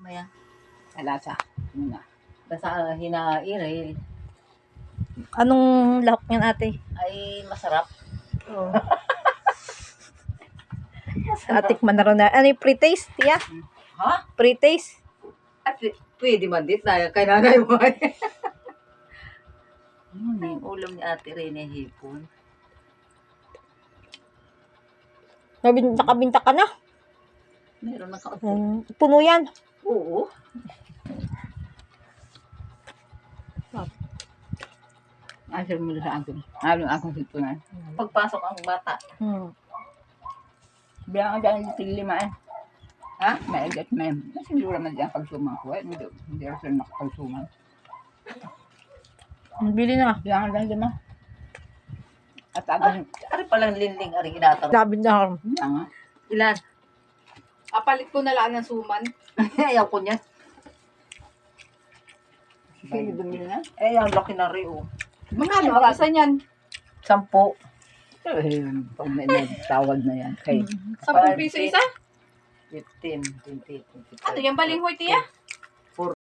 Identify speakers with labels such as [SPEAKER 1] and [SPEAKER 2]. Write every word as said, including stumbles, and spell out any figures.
[SPEAKER 1] Maya.
[SPEAKER 2] Alasa. Muna.
[SPEAKER 1] Basta hinairil
[SPEAKER 3] Anong lahok niyan, ate?
[SPEAKER 1] ay masarap.
[SPEAKER 3] Oh. Atikman na rin na. Ano yung pre-taste, tiya?
[SPEAKER 1] Ha?
[SPEAKER 3] Pre-taste?
[SPEAKER 1] At p- pwede man dit na kay nanay mo. Ano yung ulam ni Ate Rene hipon?
[SPEAKER 3] Nabin- Nakabinta ka na?
[SPEAKER 1] Meron na kaunti.
[SPEAKER 3] Hmm, puno yan.
[SPEAKER 1] Oo.
[SPEAKER 2] Asal mo sa akin. Halo akong sipunan.
[SPEAKER 1] Pagpasok ang bata.
[SPEAKER 3] Hmm.
[SPEAKER 2] Bilang ang dahil tig lima eh.
[SPEAKER 1] Ha?
[SPEAKER 2] May agat may. Siguro man dyan pagsumang ko eh. Hindi, hindi ako sila nakapagsuman.
[SPEAKER 3] Bili na.
[SPEAKER 2] Bilang ang dahil lima. At agang,
[SPEAKER 1] Ari palang linling, ari ginatang.
[SPEAKER 3] Sabi na.
[SPEAKER 2] bilang nga.
[SPEAKER 1] Ilan?
[SPEAKER 4] Apalit ko na lang ng suman.
[SPEAKER 1] Ayaw ko niya.
[SPEAKER 2] Sige, bumili na.
[SPEAKER 1] Eh, ang laki na rin, oh.
[SPEAKER 4] Magkano ang isa niyan?
[SPEAKER 1] Sampo.
[SPEAKER 2] Eh, pag may nagtawag na yan. Kay,
[SPEAKER 4] Sampung piso isa?
[SPEAKER 1] fifteen, twenty, twenty-five.
[SPEAKER 4] Ano yan balinghoy, tiya?